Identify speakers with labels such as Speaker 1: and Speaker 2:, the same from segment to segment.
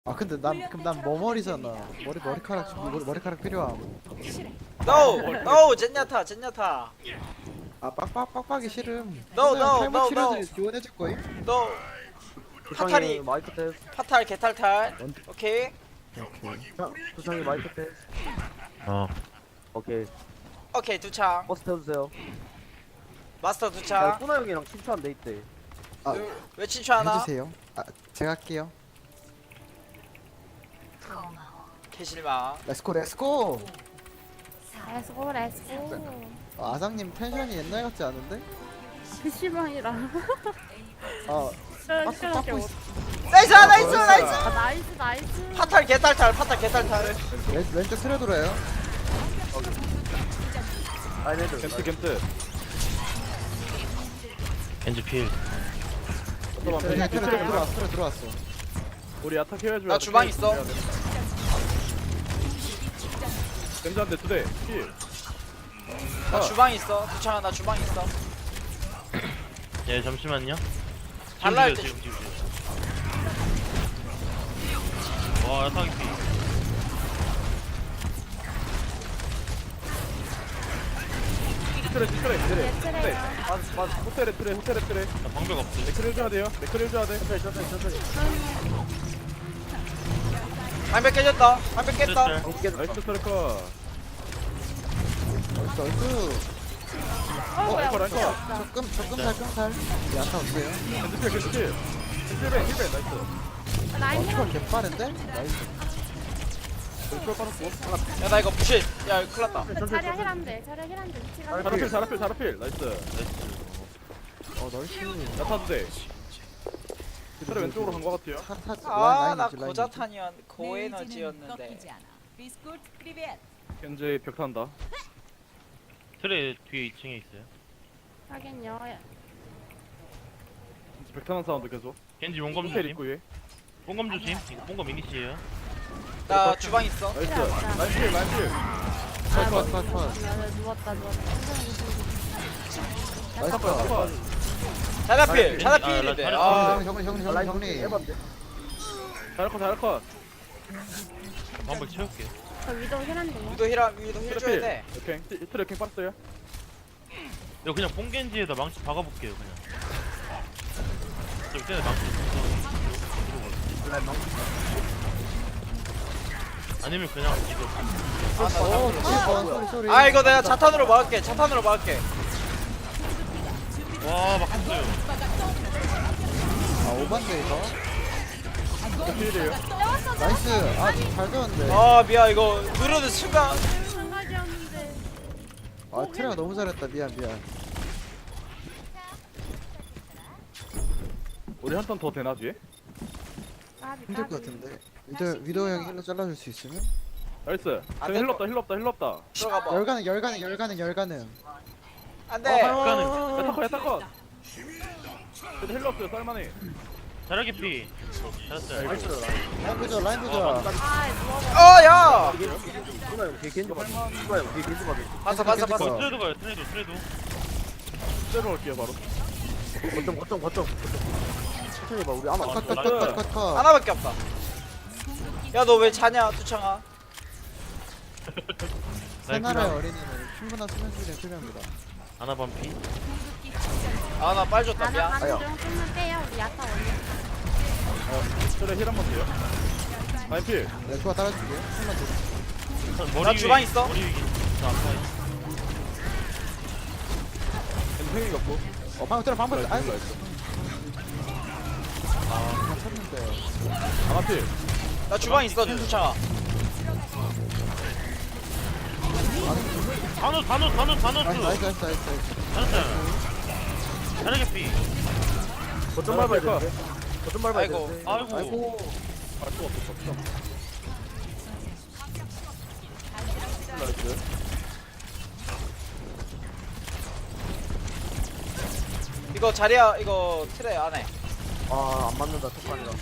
Speaker 1: 아 근데 난 그럼 난 머머리잖아. 머리카락 필요함.
Speaker 2: No 젠야타 젠야타
Speaker 1: 아 빡빡빡빡이 싫음.
Speaker 2: No,
Speaker 1: 그냥
Speaker 2: no,
Speaker 1: 탈모
Speaker 2: no,
Speaker 1: 치료제
Speaker 2: no.
Speaker 1: 지원해줄 거임?
Speaker 2: No 파탈이
Speaker 3: 마이크 테스트.
Speaker 2: 파탈 개탈탈 오케이
Speaker 1: 오케이.
Speaker 3: 수상이 마이크 테스트. 오케이.
Speaker 2: 오케이 두창
Speaker 3: 버스 태워주세요.
Speaker 2: 마스터
Speaker 3: 야,
Speaker 2: 두창
Speaker 3: 꾸나 형이랑 친추한 데 있대.
Speaker 1: 아
Speaker 2: 왜 친추하나
Speaker 1: 해주세요. 아 제가 할게요.
Speaker 2: 개실망
Speaker 1: 렛츠고 렛츠고.
Speaker 4: 렛츠고 렛츠고.
Speaker 1: 아상님 텐션이 옛날 같지 않은데?
Speaker 4: PC방이라.
Speaker 1: 아
Speaker 4: 시원시원하게
Speaker 1: 닦고
Speaker 4: 옷.
Speaker 1: 있어.
Speaker 2: 나이스 나이스
Speaker 1: 아,
Speaker 2: 나이스
Speaker 4: 아 나이스 나이스.
Speaker 2: 파탈 개탈탈 파탈 개탈탈
Speaker 1: 왼쪽 틀어 돌아요.
Speaker 3: 아이네들.
Speaker 5: 캠트
Speaker 6: 겐지 필.
Speaker 1: 그냥 틀어 들어왔어.
Speaker 5: 우리 야타 케어해줘야
Speaker 2: 나 주방 있어.
Speaker 5: 겐지한테 두대 필.
Speaker 2: 나 주방 있어 두창아 나 주방 있어
Speaker 6: 예 잠시만요.
Speaker 2: 달라 할 때
Speaker 6: 지금. 와 야타기 필.
Speaker 5: 트레
Speaker 4: 예트래요.
Speaker 5: 호텔에
Speaker 6: 나 방벽 없어.
Speaker 5: 맥크리 해줘야 돼요. 맥크리 해줘야 돼.
Speaker 3: 천천히.
Speaker 2: 방벽 깨졌다 방벽 깼다
Speaker 5: 나이스 트래커.
Speaker 1: 나이스.
Speaker 4: 뭐야
Speaker 5: 랭커, 랭커.
Speaker 1: 조금 야타 없어요.
Speaker 5: 겐지 필. 힐벤 나이스.
Speaker 4: 라인
Speaker 1: 이거
Speaker 4: 힐.
Speaker 1: 개빠른데? 나이스.
Speaker 5: 왼쪽 빠졌고.
Speaker 2: 야 나 이거 부실 야 큰일났다
Speaker 4: 자리야 힐한데 자리야 힐한데 위치가.
Speaker 5: 자라필 나이스.
Speaker 1: 나이스.
Speaker 5: 야타 두대. 트레 왼쪽으로 간 거 같아요.
Speaker 2: 아나 고자탄이었 고에너지였는데
Speaker 5: 겐지 벽 탄다.
Speaker 6: 트레 뒤에 2층에 있어요.
Speaker 4: 하긴요.
Speaker 5: 겐지 벽 타는 사운드 계속.
Speaker 6: 겐지 용검
Speaker 5: 호텔
Speaker 6: 조심.
Speaker 5: 입구 위에.
Speaker 6: 용검 조심. 이거 용검 미니시에요.
Speaker 2: 나 주방 있어
Speaker 5: 나이스.
Speaker 4: 필요 없다.
Speaker 5: 라인필.
Speaker 1: 컷.
Speaker 4: 누웠다.
Speaker 1: 나이스.
Speaker 2: 자라필
Speaker 6: 아,
Speaker 2: 자라필인데
Speaker 6: 나
Speaker 2: 아
Speaker 1: 정리.
Speaker 3: 해봤는데.
Speaker 5: 잘할컷.
Speaker 6: 방벽 채울게.
Speaker 4: 저 위도 힐한데.
Speaker 2: 위도 힐 줘야 돼
Speaker 5: 오케이. 트레 킹 빠졌어요.
Speaker 6: 이거 그냥 뽕겐지에다 망치 박아볼게요 그냥. 저 그때 망치. 아니면 그냥 이거.
Speaker 1: 소리.
Speaker 2: 아 이거 내가 자탄으로 막을게
Speaker 6: 와 막혔어요.
Speaker 1: 아 오반데 이거.
Speaker 5: 필이에요.
Speaker 1: 나이스. 아잘 되었는데.
Speaker 2: 아 미안 이거 누르는 순간
Speaker 4: 생각이었는데.
Speaker 1: 아 트레가 너무 잘했다. 미안.
Speaker 5: 우리 한 턴 더 되나 뒤에?
Speaker 1: 힘들 것 같은데. 위도 형 힐러 잘라줄 수 있으면?
Speaker 5: 나이스.
Speaker 2: 안
Speaker 5: 힐
Speaker 2: 될
Speaker 5: 없다.
Speaker 2: 들어가봐
Speaker 1: 열가는.
Speaker 2: 안돼
Speaker 5: 야타 컷. 그래도 힐 없어요. 쌀만해.
Speaker 6: 자라기 피. 잘했어요.
Speaker 1: 라인 보자.
Speaker 4: 아 누워봐.
Speaker 2: 어야
Speaker 3: 꾸나 형 뒤에 겐지 받아. 꾸나 형 뒤에 겐지 받아.
Speaker 2: 봤어
Speaker 1: 어.
Speaker 6: 트레도 가요. 트레도.
Speaker 5: 때려 갈게요 바로.
Speaker 3: 거점. 천천히 봐. 우리 아마
Speaker 1: 컷.
Speaker 2: 하나밖에 없다 야 너 왜 자냐 두창아
Speaker 1: 새나라의 어린이는 충분한 수면 수준이 필요합니다.
Speaker 6: 아나 반피.
Speaker 2: 아 나 빨 줬다
Speaker 4: 나는
Speaker 2: 미안
Speaker 4: 가는 중 쓰면 빼요. 우리 야타 원래.
Speaker 5: 트레 힐 한번 돼요. 라인필.
Speaker 1: 네, 좋아 따라줄게. 한번 더.
Speaker 6: 머리
Speaker 2: 나
Speaker 6: 위에,
Speaker 2: 주방 있어?
Speaker 6: 머리 위에. 저 아파요.
Speaker 5: 겐지 팽이 갖고.
Speaker 1: 방금
Speaker 5: 나이스.
Speaker 1: 아이고.
Speaker 5: 나이스.
Speaker 1: 다 쳤는데.
Speaker 5: 아나필.
Speaker 2: 나 주방 있어 두창아
Speaker 6: 다 넣었어.
Speaker 1: 나이스.
Speaker 6: 잘했어요. 자라기 피.
Speaker 3: 거점 밟아야
Speaker 5: 컷.
Speaker 3: 돼. 거점 밟아야
Speaker 2: 아이고.
Speaker 3: 돼.
Speaker 6: 아이고.
Speaker 5: 알 수가 없어. 나이스.
Speaker 2: 이거 자리야 이거 트레 안해
Speaker 3: 안 맞는다. 턱관이라.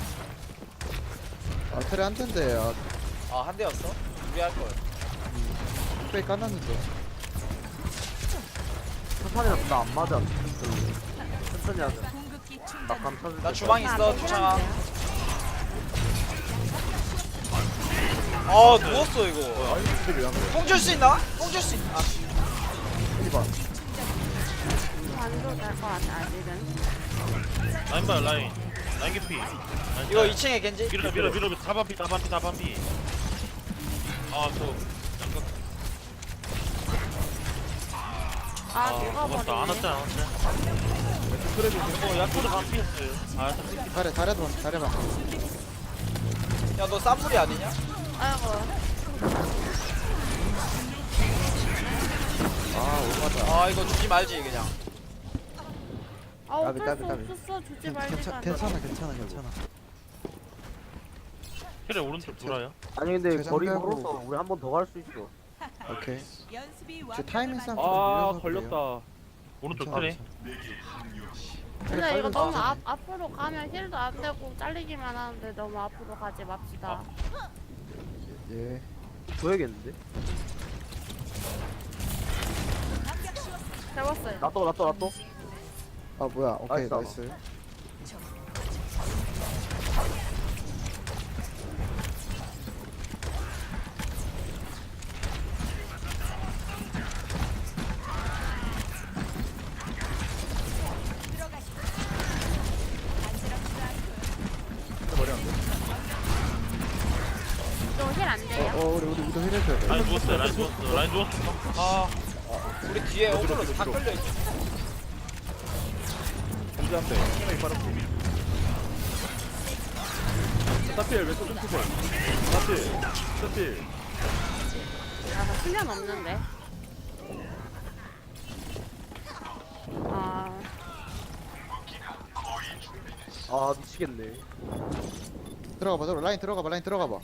Speaker 1: 아 트레 한 텐데.
Speaker 2: 한 대였어? 준비할걸
Speaker 1: 페이 까놨는데.
Speaker 3: 턱관이랑 나안 맞아. 천천히 하자. 나 감탄.
Speaker 2: 나 주방 있어 두창아 아 누웠어 이거.
Speaker 5: 아니 근데 왜안 그래?
Speaker 2: 뽕 줄 수 있나? 뽕 줄 수 있. 아
Speaker 4: 완전 될것 같아 아직은.
Speaker 6: 라인 봐 라인 개피.
Speaker 2: 이거 2층에 겐지.
Speaker 6: 밀어 다반피. 아또
Speaker 4: 아
Speaker 6: 고맙다. 안
Speaker 4: 녹아버리네.
Speaker 6: 왔잖아.
Speaker 5: 그래도
Speaker 6: 야쿠도 반피였어요. 아
Speaker 1: 잘해봐.
Speaker 2: 야 너 쌈물이 아니냐?
Speaker 4: 아이고.
Speaker 2: 아 이거 주지 말지 그냥.
Speaker 4: 아 어쩔 수
Speaker 1: 까비.
Speaker 4: 없었어 주지 말니까.
Speaker 1: 괜찮아.
Speaker 6: 그래 오른쪽 돌아요.
Speaker 3: 아니 근데
Speaker 1: 재장
Speaker 3: 거리
Speaker 1: 깔고.
Speaker 3: 멀어서 우리 한 번 더 갈 수 있어.
Speaker 1: 오케이.
Speaker 7: 연습이
Speaker 1: 저 타이밍 싸움 좀
Speaker 5: 아
Speaker 1: 밀려서
Speaker 5: 걸렸다.
Speaker 6: 오른쪽
Speaker 1: 괜찮아,
Speaker 6: 그래.
Speaker 4: 근데 이거
Speaker 1: 빨리
Speaker 4: 너무
Speaker 1: 가자.
Speaker 4: 앞으로 가면 힐도 안 되고 잘리기만 하는데 너무 앞으로 가지 맙시다.
Speaker 1: 예.
Speaker 3: 줘야겠는데?
Speaker 4: 해봤어요.
Speaker 3: 놔둬.
Speaker 1: 아 뭐야? 오케이
Speaker 3: 나이스.
Speaker 1: 나이스.
Speaker 4: 저힐안 돼요.
Speaker 1: 우리 우도 힐해줘야 돼.
Speaker 6: 라인 누웠어.
Speaker 2: 아 우리 뒤에 오버로드 다 끌려 있어.
Speaker 5: 견제한대. 생각이 빠르고. 스타필 왼쪽 좀 푸세요. 스타필.
Speaker 4: 아, 수면 없는데. 아,
Speaker 3: 아 미치겠네.
Speaker 1: 라인 들어가봐.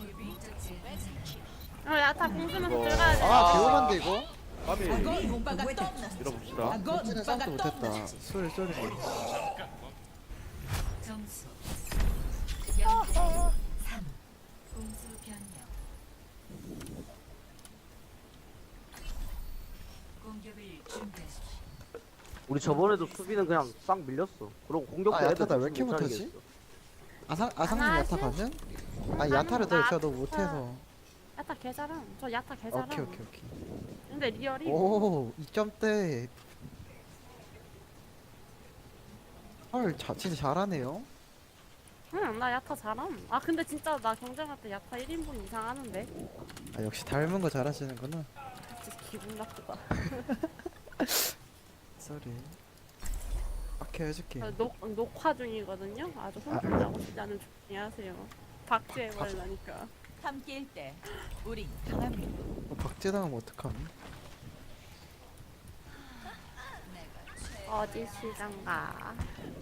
Speaker 4: 야타 공수면서
Speaker 5: 이거-
Speaker 4: 들어가야 돼.
Speaker 1: 아 개오반데 이거?
Speaker 5: 까비.
Speaker 7: 오빠가 떠났어.
Speaker 5: 밀어봅시다.
Speaker 1: 찌는 싸움도 못했다. 쏘리.
Speaker 8: 점수 0대 3 공수 변경 공격을 준비하십시오.
Speaker 3: 우리 저번에도 수비는 그냥 싹 밀렸어. 그리고 공격도
Speaker 1: 아, 야타다
Speaker 3: 애들
Speaker 1: 왜 이렇게
Speaker 3: 못
Speaker 1: 못하지?
Speaker 3: 차리겠어.
Speaker 1: 아상님
Speaker 4: 하나,
Speaker 1: 야타
Speaker 4: 둘.
Speaker 1: 가능? 아 야타를 더 제가 너무 못해서.
Speaker 4: 야타 개잘함. 저 야타 개잘함.
Speaker 1: 오케이.
Speaker 4: 근데 리얼이
Speaker 1: 오 2점대. 헐 진짜 잘하네요.
Speaker 4: 응, 나 야타 잘함. 아 근데 진짜 나 경쟁할 때 야타 1인분 이상 하는데.
Speaker 1: 아 역시 닮은 거 잘하시는구나.
Speaker 4: 진짜 기분 나쁘다.
Speaker 1: 쏘리. 오케이 해줄게.
Speaker 4: 저 녹화 중이거든요. 아주 혼쭐 나고 싶지 않은 조용히 하세요. 박제해버리라니까.
Speaker 7: 함께일 때 우린 강합니다.
Speaker 1: 박제당하면 어떡함?
Speaker 4: 어디 시장가.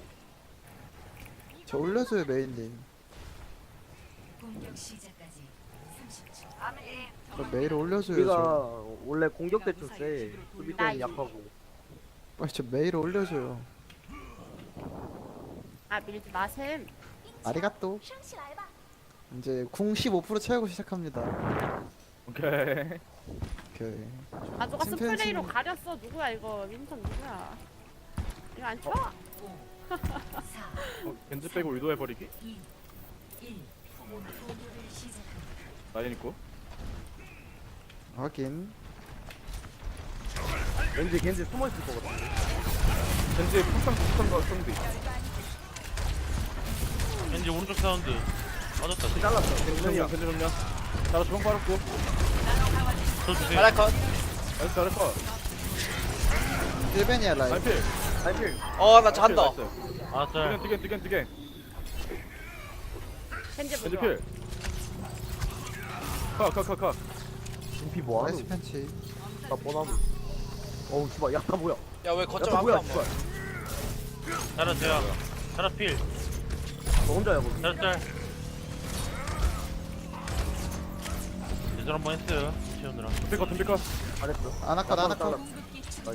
Speaker 1: 저 올려줘요 메인님.
Speaker 8: 공격 시작까지 30초.
Speaker 1: 저 메일 올려줘요.
Speaker 3: 우리가
Speaker 1: 저.
Speaker 3: 원래 공격 때 좀 세. 수비 때는 약하고.
Speaker 1: 빨리 저 메일 올려줘요.
Speaker 4: 아 밀지 마셈.
Speaker 1: 아리가또. 이제 궁 15% 채우고 시작합니다.
Speaker 5: 오케이.
Speaker 1: 오케이.
Speaker 4: 아 누가
Speaker 1: 챔피언
Speaker 4: 스프레이로
Speaker 1: 팀.
Speaker 4: 가렸어. 누구야 이거. 민턴 누구야. 이거 안 쳐?
Speaker 8: 4
Speaker 5: 겐지 빼고 의도해버리기.
Speaker 8: 2 1 공격을 시작합니다.
Speaker 5: 라인 있고.
Speaker 1: 확인.
Speaker 3: 겐지 숨어 있을 것 같은데.
Speaker 5: 겐지 폭탄 거 성비.
Speaker 6: 겐지 오른쪽 사운드. 맞았다.
Speaker 3: 잘랐어.
Speaker 5: 겐지 정면. 나 주방 빨았고.
Speaker 6: 저 주세요.
Speaker 2: 잘할 컷.
Speaker 5: 나이스 잘했어.
Speaker 1: 1벤이야 라인.
Speaker 5: 라인 필.
Speaker 3: 아이필.
Speaker 2: 어나 잔다.
Speaker 6: 아 짤.
Speaker 5: 뛰겐.
Speaker 4: 겐지
Speaker 5: 겐지
Speaker 4: 보자.
Speaker 5: 필. 카.
Speaker 3: 준비 뭐하노?
Speaker 1: 나이스 팬치.
Speaker 3: 나 뻔하고. 어우 씨발 야타 뭐야?
Speaker 2: 야 왜 거점
Speaker 3: 야타
Speaker 2: 앞에
Speaker 3: 뭐야
Speaker 2: 안 먹어?
Speaker 3: 씨발.
Speaker 6: 자라 제야. 자라 필.
Speaker 3: 너 혼자야 거기.
Speaker 6: 자라 짤. 예전 한번 했어요. 시원들아.
Speaker 5: 덤비카.
Speaker 3: 잘했어.
Speaker 1: 아나컷.
Speaker 7: 궁극기 충전.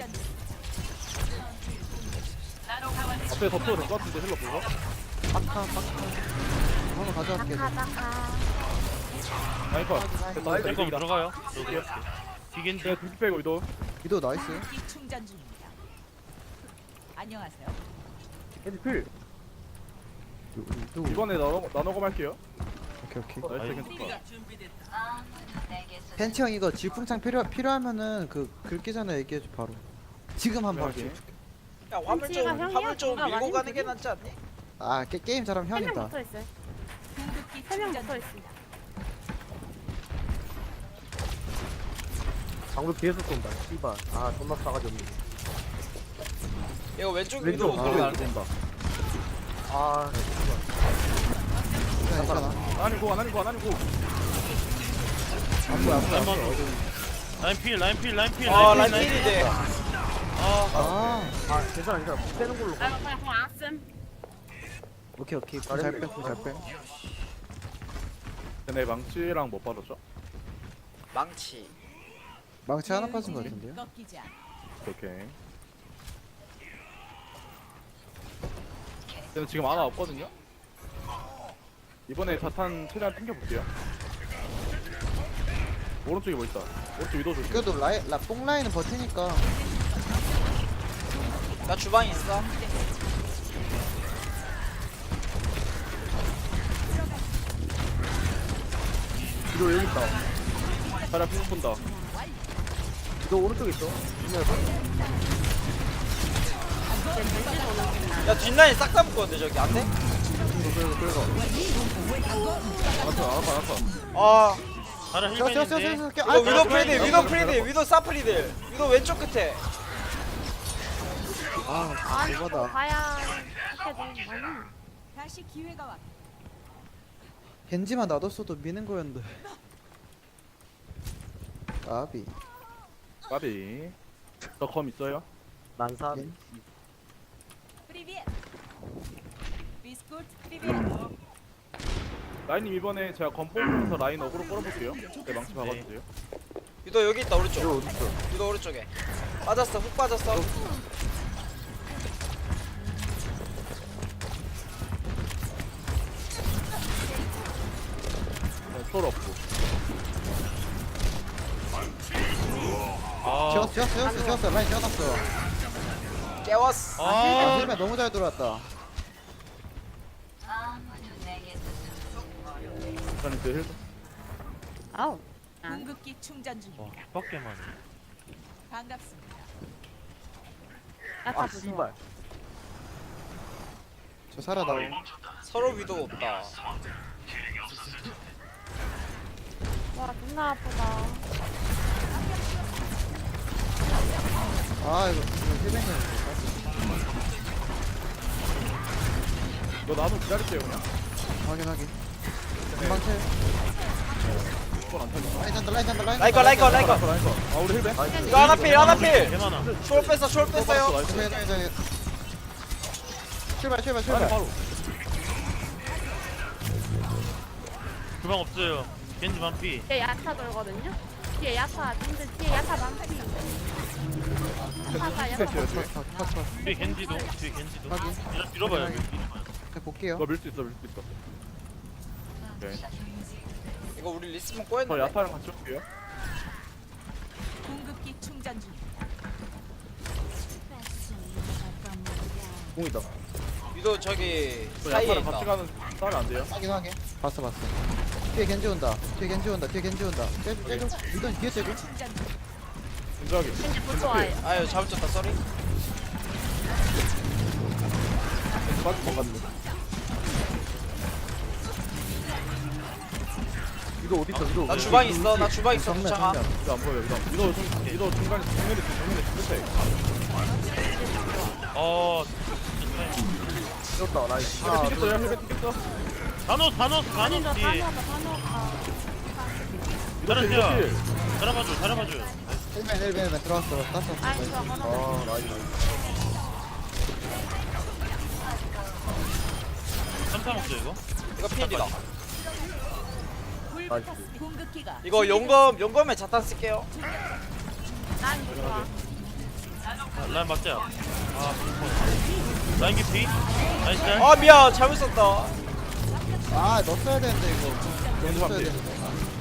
Speaker 5: 앞에 덮쳐도 될 것 같은데 힐러 보고.
Speaker 1: 빡카. 한번 가져갈게.
Speaker 4: 나카.
Speaker 5: 라인 컷. 됐다.
Speaker 6: 셀거
Speaker 5: 이득이다.
Speaker 6: 들어가요. 뒤겐지.
Speaker 5: 제가 둘기 빼고 이도.
Speaker 1: 위도 나이스.
Speaker 7: 궁극기 충전 중입니다. 안녕하세요.
Speaker 3: 겐지 필.
Speaker 1: 위도.
Speaker 5: 이번에 나눠고 할게요.
Speaker 1: 오케이.
Speaker 3: 나이스 겐지 컷.
Speaker 1: 벤치 형 이거 질풍창 필요하면은 그 긁기 전에 얘기해줘 바로. 지금 한 번.
Speaker 3: 오케이.
Speaker 2: 야 화물 좀
Speaker 4: 형이야?
Speaker 2: 화물 좀
Speaker 4: 아,
Speaker 2: 밀고
Speaker 4: 많이
Speaker 2: 가는 게
Speaker 4: 힘들어?
Speaker 2: 낫지 않니?
Speaker 1: 아 게임 잘하면
Speaker 4: 3명
Speaker 1: 형이다.
Speaker 4: 붙어있어요.
Speaker 7: 궁극기
Speaker 4: 3명
Speaker 7: 충전 중.
Speaker 4: 붙어있어.
Speaker 3: 방금 뒤에서 쏜다. 씨발. 아 존나 싸가지 없네.
Speaker 2: 이거 왼쪽
Speaker 3: 왼쪽
Speaker 2: 위로
Speaker 3: 소리 안 된다. 아
Speaker 1: 괜찮아.
Speaker 3: 아니고 안 아니고 안 아니고.
Speaker 1: 안 보여 안 보여.
Speaker 6: 라인 필
Speaker 2: 아 라인필인데
Speaker 1: 아
Speaker 3: 아 괜찮아 괜찮아. 빼는 걸로.
Speaker 4: 아, 그냥 안 쓴.
Speaker 1: 오케이. 잘 빼. 잘 빼.
Speaker 5: 내 망치랑 뭐 빠졌죠?
Speaker 2: 망치.
Speaker 1: 망치 하나 빠진 거 같은데요?
Speaker 7: 꺾이지 않아.
Speaker 5: 오케이. 근데 지금 아나 없거든요? 이번에 자탄 최대한 땡겨볼게요. 오른쪽에 뭐 있다. 오른쪽 위도 조심.
Speaker 1: 그래도 뽕 라인은 버티니까.
Speaker 2: 나 주방에 있어.
Speaker 3: 위도 여기 있다.
Speaker 5: 자리야 핑 본다.
Speaker 3: 위도 오른쪽에 있어.
Speaker 2: 야 뒷라인 싹 다 묶었는데 저기 안 돼?
Speaker 5: 알았어.
Speaker 2: 아
Speaker 6: 자라
Speaker 1: 저
Speaker 6: 힐맨인데.
Speaker 2: 이거 위도 프리딜 위도 프리딜 위도 사프리딜 위도 왼쪽 끝에.
Speaker 1: 아 이거다.
Speaker 4: 가야 이렇게 되는 거는.
Speaker 7: 다시 기회가 왔.
Speaker 1: 겐지만 놔뒀어도 미는 거였는데. 아비.
Speaker 5: 까비. 저 검 있어요?
Speaker 3: 난산.
Speaker 7: 프리비엣. 비스코트 프리비엣.
Speaker 5: 라인님 이번에 제가 검 뽑으면서 라인 어그로 끌어볼게요. 네 망치 박아주세요.
Speaker 2: 위도 여기 있다 오른쪽.
Speaker 3: 위도 어디 있어?
Speaker 2: 위도 오른쪽에. 빠졌어 훅 빠졌어.
Speaker 5: 네, 솔 없고.
Speaker 6: 아,
Speaker 1: 지웠어. 라인 지워놨어.
Speaker 2: 깨웠어.
Speaker 6: 아,
Speaker 1: 힐맨 너무 잘 들어왔다.
Speaker 5: 자탄 그 힐.
Speaker 4: 아우.
Speaker 7: 궁극기 충전 중.
Speaker 6: 와, 개빡게만.
Speaker 7: 반갑습니다.
Speaker 4: 야타
Speaker 3: 아
Speaker 4: 부숴.
Speaker 3: 씨발.
Speaker 1: 저 살아나오.
Speaker 2: 서로 위도 없다.
Speaker 4: 와, 존나 아프다.
Speaker 1: 아 이거 힐맨이.
Speaker 5: 이거 나도 기다릴게요 그냥.
Speaker 1: 확인. 금방 채.
Speaker 5: 이건 안 터져.
Speaker 1: 라인 잔다.
Speaker 2: 라이커
Speaker 5: 아 우리 힐맨.
Speaker 2: 이거 하나필
Speaker 6: 개많아.
Speaker 2: 초월 뺐어 초월 뺐어요.
Speaker 5: 나이스.
Speaker 1: 출발.
Speaker 5: 라인 바로.
Speaker 6: 주방 없어요. 겐지 반피.
Speaker 4: 뒤에 야타 돌거든요? 뒤에 야타, 님들 뒤에 야타 많피. 야타.
Speaker 6: 뒤에 겐지도.
Speaker 1: 확인.
Speaker 6: 이런 밀어봐요. 여기.
Speaker 1: 그냥 볼게요.
Speaker 5: 너 밀 수 있어. 오케이.
Speaker 2: 이거 우리 리스폰
Speaker 5: 저
Speaker 2: 꼬였는데.
Speaker 5: 야타랑 같이 올게요.
Speaker 7: 궁극기 충전 중.
Speaker 3: 공이다.
Speaker 2: 위도 저기
Speaker 5: 저
Speaker 2: 사이에
Speaker 5: 야타랑 같이
Speaker 2: 있다.
Speaker 5: 가는 싸면 안 돼요?
Speaker 1: 확인. 봤어. 뒤에 겐지 온다. 째줘. 이건 뒤에 째줘.
Speaker 7: 충전 중.
Speaker 5: 진정하게.
Speaker 4: 겐지 부숴와요.
Speaker 2: 아유 잘못 쳤다 쏘리.
Speaker 5: 빠질 것 같네.
Speaker 3: 위도 어디 있어? 위도.
Speaker 2: 나 주방 있어 나 주방 있어 두창아.
Speaker 5: 이거 안 보여. 위도 중간에 정면에 끝에.
Speaker 3: 뛰었다 라인.
Speaker 5: 힐맨 튀겼어요. 힐맨 튀겼어.
Speaker 6: 다노스
Speaker 4: 아니다,
Speaker 6: 뒤에.
Speaker 4: 단호가.
Speaker 6: 잘하세요. 잘해봐줘요.
Speaker 1: 힐맨 들어왔어. 땄어.
Speaker 4: 아이, 저 하나.
Speaker 3: 아 라인.
Speaker 6: 3타 먹죠 이거?
Speaker 2: 이거 필이다.
Speaker 7: 불
Speaker 3: 나이스.
Speaker 7: 붙었습니다. 궁극기가
Speaker 2: 이거 용검에 자탄 쓸게요.
Speaker 4: 난 좋아.
Speaker 6: 라인 맞자. 라인 깊이. 나이스.
Speaker 2: 아 미안 잘못 썼다.
Speaker 1: 아 넣었어야 되는데 이거.
Speaker 5: 겐지
Speaker 1: 넣었어야
Speaker 5: 반피.
Speaker 1: 되는데.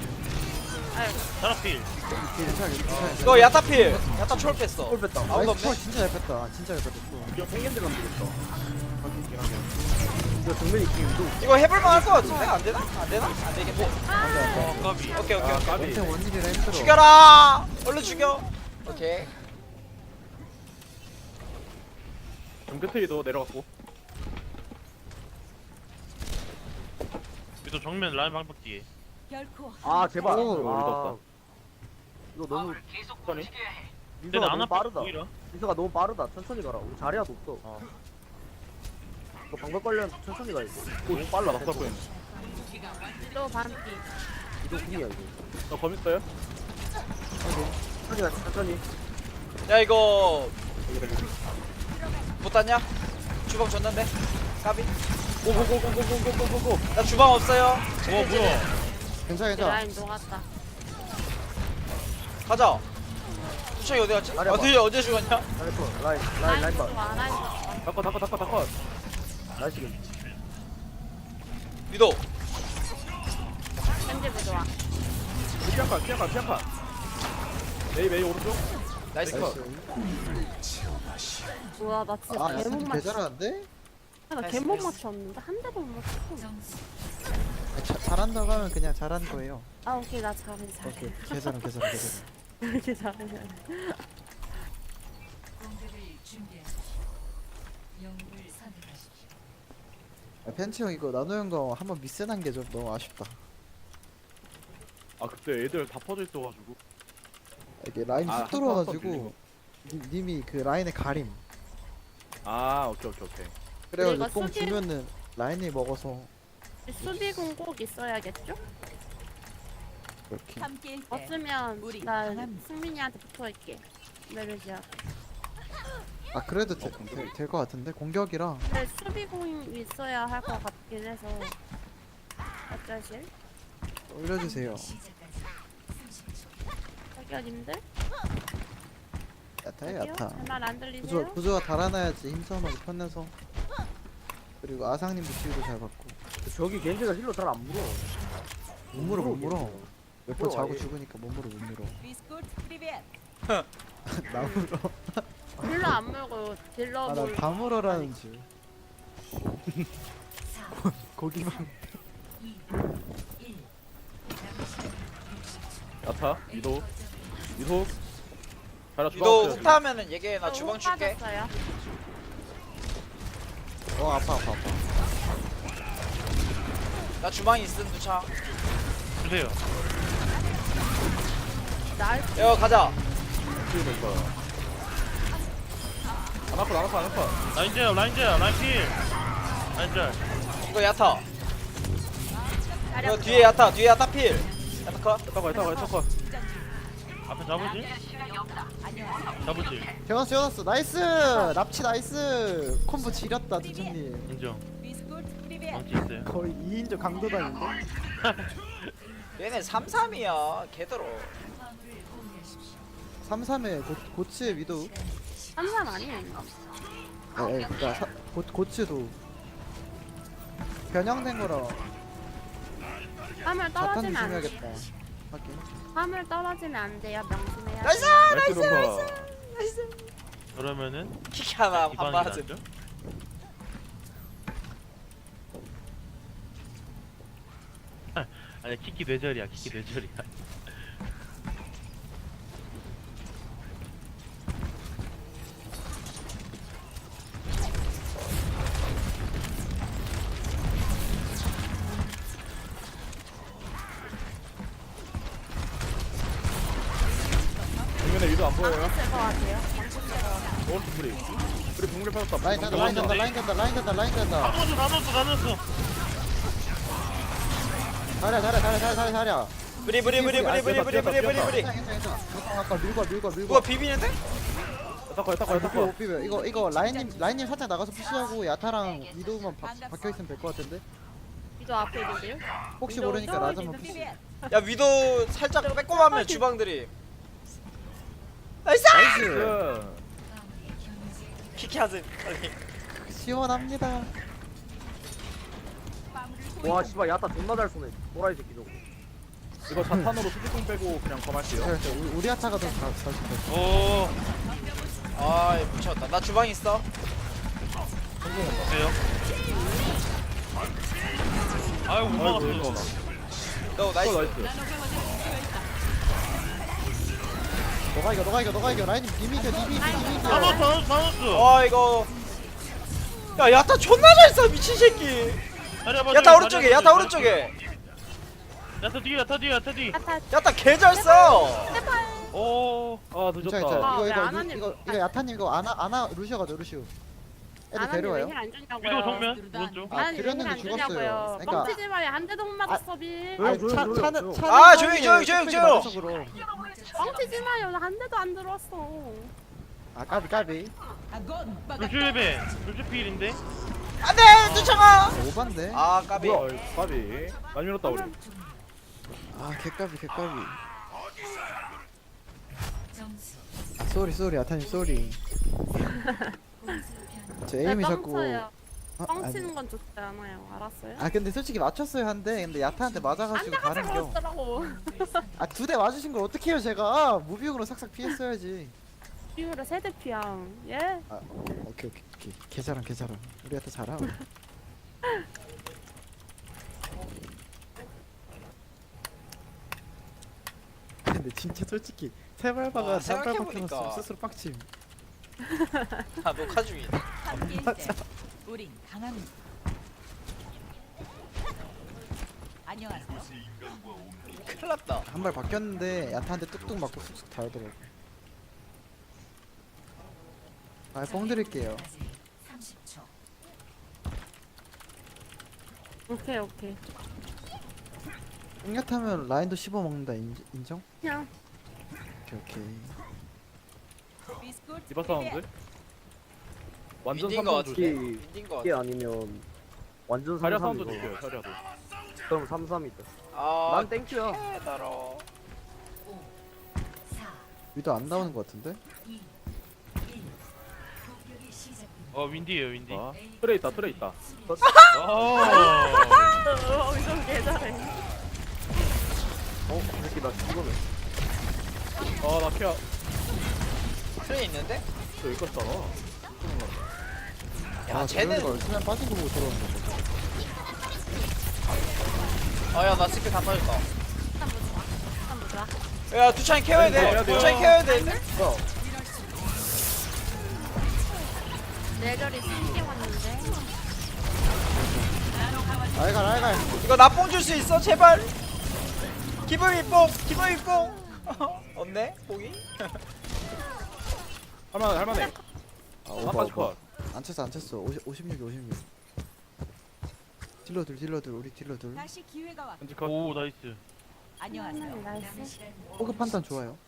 Speaker 6: 자라필.
Speaker 1: 괜찮아.
Speaker 2: 이거 야타필. 야타 초월 뺐어.
Speaker 3: 골 뺐다.
Speaker 2: 아무도
Speaker 1: 나이스.
Speaker 2: 없네.
Speaker 1: 진짜 잘 뺐다.
Speaker 5: 이거 팽겐지 가면 되겠다. 있긴 하게.
Speaker 3: 이거 정면이 지금 위도
Speaker 2: 이거 해볼만 할 것 같은데? 안 되나? 안 되나? 안 되겠네.
Speaker 6: 어 까비.
Speaker 2: 오케이, 오케이,
Speaker 5: 아,
Speaker 2: 오케이.
Speaker 5: 까비.
Speaker 1: 원태 원일이라 힘들어.
Speaker 2: 죽여라! 얼른 죽여! 오케이.
Speaker 5: 정크트리도 내려갔고.
Speaker 6: 또 정면 라인 방법 뒤에.
Speaker 7: 결코
Speaker 3: 아 제발.
Speaker 1: 오,
Speaker 3: 아, 이거 너무
Speaker 5: 천천히.
Speaker 6: 근데
Speaker 3: 민서가
Speaker 6: 안
Speaker 3: 너무
Speaker 6: 아파
Speaker 3: 빠르다.
Speaker 6: 보이라.
Speaker 3: 민서가 너무 빠르다. 천천히 가라. 우리 자리야도 없어. 이거 방법 관련 천천히 가야 돼.
Speaker 5: 너무 빨라. 낙사 보였네.
Speaker 4: 또 반피.
Speaker 3: 이거 궁이야 이거.
Speaker 5: 나 검 있어요?
Speaker 3: 천천히 가. 천천히.
Speaker 2: 야, 이거. 못 땄냐? 주방 줬는데? 까비?
Speaker 5: 고고고고고고고고고.
Speaker 2: 나 주방 없어요.
Speaker 6: 뭐야?
Speaker 1: 괜찮아 괜찮아.
Speaker 4: 라인 녹았다.
Speaker 2: 가자. 수창이 어디 갔지?
Speaker 3: 아래 봐.
Speaker 2: 어디, 언제 죽었냐?
Speaker 3: 라인 봐.
Speaker 4: 좋아, 라인 좋아.
Speaker 5: 닦아.
Speaker 3: 라인 지금.
Speaker 2: 위도.
Speaker 4: 현재 부좋아.
Speaker 5: 피한칸. 메이 오른쪽.
Speaker 2: 나이스.
Speaker 4: 우와, 나 진짜
Speaker 1: 아
Speaker 4: 개못
Speaker 1: 야스님 개
Speaker 4: 맞췄어.
Speaker 1: 잘하는데?
Speaker 4: 나 개못 맞췄는데 한 대도 못 맞췄어.
Speaker 1: 잘한다고 하면 그냥 잘한 거예요.
Speaker 4: 아, 오케이, 나 잘해.
Speaker 1: 오케이 개잘함.
Speaker 4: 이렇게 잘해.
Speaker 8: 공격을 준비하십시오. 영웅을 선택하십시오.
Speaker 1: 팬치 형 이거 나노 형거 한번 미스난 게 좀 너무 아쉽다.
Speaker 5: 아 그때 애들 다 퍼져 있어가지고.
Speaker 1: 이게 라인이
Speaker 5: 아,
Speaker 1: 쑥 들어와가지고
Speaker 5: 들리고.
Speaker 1: 님이 그 라인의 가림.
Speaker 5: 아 오케이.
Speaker 1: 그래가지고
Speaker 4: 이거
Speaker 1: 뽕
Speaker 4: 수비-
Speaker 1: 주면은 라인이 먹어서
Speaker 4: 수비공 꼭 있어야겠죠?
Speaker 1: 그렇게.
Speaker 7: 함께일 때
Speaker 4: 없으면
Speaker 7: 우리
Speaker 4: 나
Speaker 7: 강합니다.
Speaker 4: 승민이한테 붙어있게. 메르지야.
Speaker 1: 아 그래도 될 것 같은데 공격이라.
Speaker 4: 근데 수비공이 있어야 할 것 같긴 해서. 어쩌실?
Speaker 1: 올려주세요.
Speaker 8: 시작까지 30초.
Speaker 4: 자기님들?
Speaker 1: 야타해 야타.
Speaker 4: 말안 들리세요?
Speaker 1: 부조가 달아나야지 힘싸움하고 편해서. 그리고 아상님도 지우도 잘 받고.
Speaker 3: 저기 겐지가 힐러 잘 안 물어.
Speaker 1: 못 물어. 몇 번
Speaker 3: 물어,
Speaker 1: 자고
Speaker 3: 아예.
Speaker 1: 죽으니까 못 물어.
Speaker 7: 비스코트 프리벳.
Speaker 1: 나 물어.
Speaker 4: 딜러 안 물고 딜러 물.
Speaker 1: 아나다 물어라는 줄. 고기만.
Speaker 8: 2, 1.
Speaker 5: 야타 위도. 자라 주방
Speaker 2: 위도
Speaker 5: 없어요.
Speaker 2: 훅타하면은 얘기해. 나 주방 줄게.
Speaker 4: 빠졌어요.
Speaker 1: 아파.
Speaker 2: 나 주방이 있음, 두창.
Speaker 6: 주세요.
Speaker 4: 날
Speaker 2: 야, 가자.
Speaker 5: 지금 안 아파.
Speaker 6: 라인 젤, 라인 필. 라인 젤.
Speaker 2: 이거 야타. 이거 뒤에 야타 필. 야타 컷.
Speaker 5: 야타가.
Speaker 6: 앞에 잡으지? 잡으지.
Speaker 1: 재웠어. 나이스. 납치 나이스. 콤보 지렸다 두준님.
Speaker 6: 인정.
Speaker 7: 비스코트 프리벳.
Speaker 6: 망치 있어요.
Speaker 1: 거의 2인조 강도단인데.
Speaker 2: 얘네 3-3이야. 개더러.
Speaker 8: 화물을 공유하십시오.
Speaker 1: 3-3에 고치의 위도우.
Speaker 4: 한산 아니에요.
Speaker 1: 그니까 고치도 변형된 거라
Speaker 4: 화물
Speaker 1: 자탄
Speaker 4: 떨어지면 안 돼.
Speaker 1: 조심해야겠다. 하긴.
Speaker 4: 화물 떨어지면 안 돼요. 명심해야
Speaker 2: 나이스!
Speaker 4: 돼.
Speaker 5: 나이스.
Speaker 6: 그러면은
Speaker 2: 킥 하나 한
Speaker 6: 기방이
Speaker 2: 맞음.
Speaker 6: 낫죠? 아니 키키 뇌절이야.
Speaker 5: 정면에 위도 안 보여요.
Speaker 4: 될것 같아요.
Speaker 5: 오른쪽 뿌리 붕괴 빠졌다.
Speaker 1: 라인 간다. 라인 간다.
Speaker 6: 다 넣었어.
Speaker 1: 자랴.
Speaker 2: 브리.
Speaker 1: 아까 밀고.
Speaker 2: 누가 비비는데?
Speaker 5: 야타가.
Speaker 1: 못 비벼. 이거 라인님 살짝 나가서 푸시하고 야타랑 위도우만 박혀 있으면 될 것 같은데.
Speaker 4: 위도 앞에 있는데요?
Speaker 1: 혹시
Speaker 4: 위도우
Speaker 1: 모르니까 라자만 푸시.
Speaker 7: 프리벳.
Speaker 2: 야, 위도 살짝 빼꼼하면 주방들이. 나이스!
Speaker 1: 나이스.
Speaker 5: 그
Speaker 8: 화물이 경제
Speaker 2: 키키 하지. 빨리.
Speaker 1: 시원합니다.
Speaker 3: 와 씨발 야타 존나 잘 쏘네. 도라이 새끼 저거.
Speaker 5: 이거 자탄으로 수비공 빼고 그냥 검할게요.
Speaker 1: 우리 야타가 더 잘.
Speaker 6: 오.
Speaker 2: 아, 미쳤다. 나 주방 있어.
Speaker 6: 돼요? 아유 못
Speaker 5: 아이고 이거
Speaker 6: 막았어.
Speaker 2: 너 나이스.
Speaker 5: 나이스.
Speaker 1: 너가 이겨. 라인님 님이 이겨.
Speaker 6: 다 넣었어 다 넣었어.
Speaker 2: 와 이거. 야 야타 존나 잘 써 미친 새끼. 야타 오른쪽에 야타 오른쪽에.
Speaker 6: 야타 뒤에 야타 뒤에 야타 뒤.
Speaker 4: 야타
Speaker 2: 야타 개 잘 써.
Speaker 4: 제발.
Speaker 6: 오.
Speaker 5: 아
Speaker 1: 괜찮아.
Speaker 5: 늦었다.
Speaker 4: 아, 왜
Speaker 1: 이거
Speaker 4: 아나님-
Speaker 1: 이거 야타님 이거 아나 루시오 가죠 루시오. 애들 데려와요.
Speaker 4: 힐안 주냐고요.
Speaker 6: 위도 정면 오른쪽.
Speaker 1: 아,
Speaker 4: 아니
Speaker 1: 드렸는데
Speaker 4: 힐안
Speaker 1: 죽었어요.
Speaker 4: 주냐고요.
Speaker 1: 그러니까-
Speaker 4: 뻥치지 마요. 한 대도 못 맞았어 빌.
Speaker 3: 왜? 조용,
Speaker 1: 차는
Speaker 2: 아, 조용히, 조용히.
Speaker 4: 뻥치지 마요. 나 한 대도 안 들어왔어.
Speaker 1: 아 까비.
Speaker 6: 루슈 예배. 루슈 필인데.
Speaker 2: 안돼 쫓아가.
Speaker 1: 오반데.
Speaker 2: 아 까비.
Speaker 5: 뭐야? 까비. 많이 밀었다 우리.
Speaker 1: 아 개까비.
Speaker 8: 점수
Speaker 1: 아 쏘리 야타님 쏘리. 제 에임이 자꾸.
Speaker 4: 뻥쳐요.
Speaker 1: 어?
Speaker 4: 뻥치는 건 좋지 않아요. 알았어요?
Speaker 1: 아 근데 솔직히 맞췄어요 한대. 근데 야타한테 맞아가지고
Speaker 4: 안
Speaker 1: 다른 겨.
Speaker 4: 들어갔더라고.
Speaker 1: 아 2대 맞으신 걸 어떻게 해요 제가. 무비용으로 삭삭 피했어야지.
Speaker 4: 비율에 세대 피양. 예?
Speaker 1: 아 오케이. 개잘함. 우리 야타 잘함. 근데 진짜 솔직히 세발바가
Speaker 2: 와,
Speaker 1: 단발
Speaker 2: 생각해보니까.
Speaker 1: 박혀놨으면 스스로 빡침.
Speaker 2: 아 녹화 중이다.
Speaker 7: 함께일 때 우린 강합니다. 안녕하세요.
Speaker 2: 큰일 났다.
Speaker 1: 한 발 바뀌었는데 야타한테 뚝뚝 맞고 쑥쑥 달더라고. 아뽕 드릴게요.
Speaker 8: 30초.
Speaker 4: 오케이.
Speaker 1: 뽕야타면 라인도 씹어 먹는다 인정?
Speaker 4: 그냥
Speaker 1: 오케이.
Speaker 7: 비스킷
Speaker 5: 디바 사운드. 완전
Speaker 2: 윈딘 거
Speaker 5: 3번
Speaker 2: 같은데.
Speaker 5: 줄게.
Speaker 2: 윈딘 거
Speaker 3: 이게
Speaker 2: 같아.
Speaker 3: 아니면 완전
Speaker 5: 자리야
Speaker 3: 3-3
Speaker 5: 사운드
Speaker 3: 이거.
Speaker 5: 줄게요. 자리야도.
Speaker 3: 그럼 3-3이다.
Speaker 2: 아
Speaker 3: 난 땡큐야.
Speaker 2: 깨달어.
Speaker 8: 4,
Speaker 1: 위도 안 나오는 것 같은데?
Speaker 8: 2, 1. 공격이 시작됩니다.
Speaker 6: 윈디에요 윈디.
Speaker 5: 아, 트레 있다.
Speaker 4: 이건 개잘해.
Speaker 3: 이 새끼 나 죽어네.
Speaker 5: 아, 나 피야.
Speaker 2: 트레이 있는데?
Speaker 5: 저 여기까지 따라.
Speaker 2: 야 쟤는.
Speaker 1: 걸 수면 빠진 거 보고 들어오는 거.
Speaker 2: 아야 나 스킬 다 빠졌다.
Speaker 4: 한번 보자.
Speaker 2: 야 두찬이 케어야 돼. 두찬이 케어야 돼.
Speaker 4: 내절이 신기 왔는데.
Speaker 1: 알갈.
Speaker 2: 이거 나 뽕 줄 수 있어 제발. 기분이 뽕. 없네 뽕이?
Speaker 5: 할만해.
Speaker 1: 아
Speaker 5: 한
Speaker 1: 오바.
Speaker 5: 빠지 컷.
Speaker 1: 안 쳤어. 56. 딜러들 우리 딜러들.
Speaker 7: 다시 기회가 왔.
Speaker 5: 현지 컷.
Speaker 6: 오 나이스.
Speaker 7: 안녕하세요.
Speaker 4: 나이스.
Speaker 1: 호급 판단 좋아요.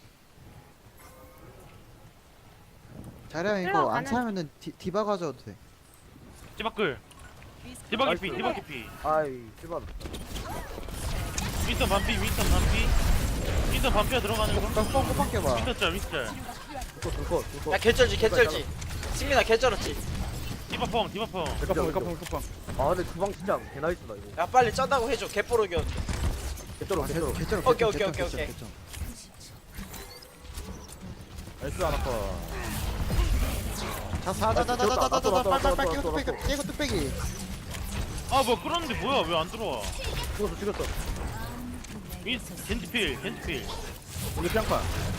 Speaker 1: 자량 이거
Speaker 4: 들어가는-
Speaker 1: 안 차면은 디바 가져도 돼.
Speaker 6: 찌바끌.
Speaker 7: 비스킷
Speaker 6: 디바기 피.
Speaker 3: 나이스.
Speaker 6: 디바기 피.
Speaker 3: 아이 씨발.
Speaker 6: 윈선 반피. 윈선 반피가 들어가는 거.
Speaker 1: 뻥 빡겨봐.
Speaker 6: 윈선 짤.
Speaker 3: 둘컷.
Speaker 2: 야 개쩔지. 승민아 개쩔었지.
Speaker 6: 디바펑.
Speaker 5: 메카펑.
Speaker 3: 아 근데 주방 진짜 개나이스다 이거.
Speaker 2: 야 빨리 쩐다고 해줘 개뽀르겨.
Speaker 3: 개쩔어.
Speaker 1: 개쩔어.
Speaker 2: 오케이.
Speaker 5: 나이스 하나 컷.
Speaker 1: 자자자자자자자자 빨리 깨고 뚝배기.
Speaker 6: 아 뭐야 끌었는데 뭐야 왜 안 들어와?
Speaker 3: 죽였어.
Speaker 6: 겐지 필.
Speaker 5: 우리 피앙판.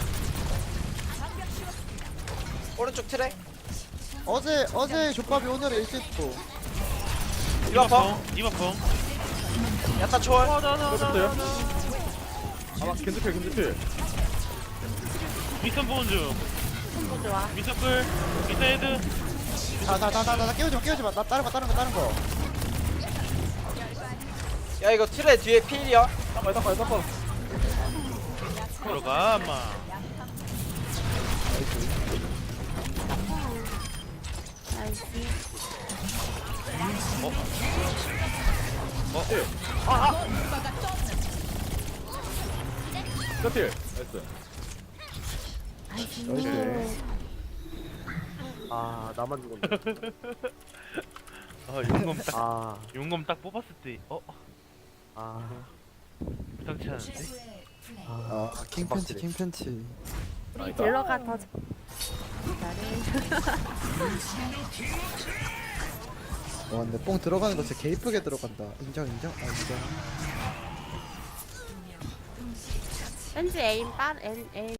Speaker 2: 오른쪽 트레.
Speaker 1: 어제 족밥이 오늘의 일시스포.
Speaker 6: 디바펑.
Speaker 2: 야타 초월.
Speaker 5: 뺐어요? 아마 겐지필.
Speaker 6: 윈선 보는 중.
Speaker 4: 콤보 좋아.
Speaker 6: 윈선 끌. 윈선 헤드.
Speaker 1: 나 깨우지 마. 나 다른 거.
Speaker 2: 야 이거 트레 뒤에 필이야.
Speaker 5: 닦아.
Speaker 6: 들어가 엄마.
Speaker 4: 나이스.
Speaker 5: 뼈필.
Speaker 1: 나이스.
Speaker 3: 아 나만 죽었네.
Speaker 6: 용검 딱 뽑았을 때
Speaker 3: 아
Speaker 6: 부탁치 않은데?
Speaker 8: 최고의 플레이.
Speaker 1: 아 킹팬치.
Speaker 4: 우리 딜러가 더 잘해.
Speaker 1: 와 근데 뽕 들어가는 거 진짜 개 이쁘게 들어간다. 인정 인정. 아 인정.
Speaker 4: 왠지 에임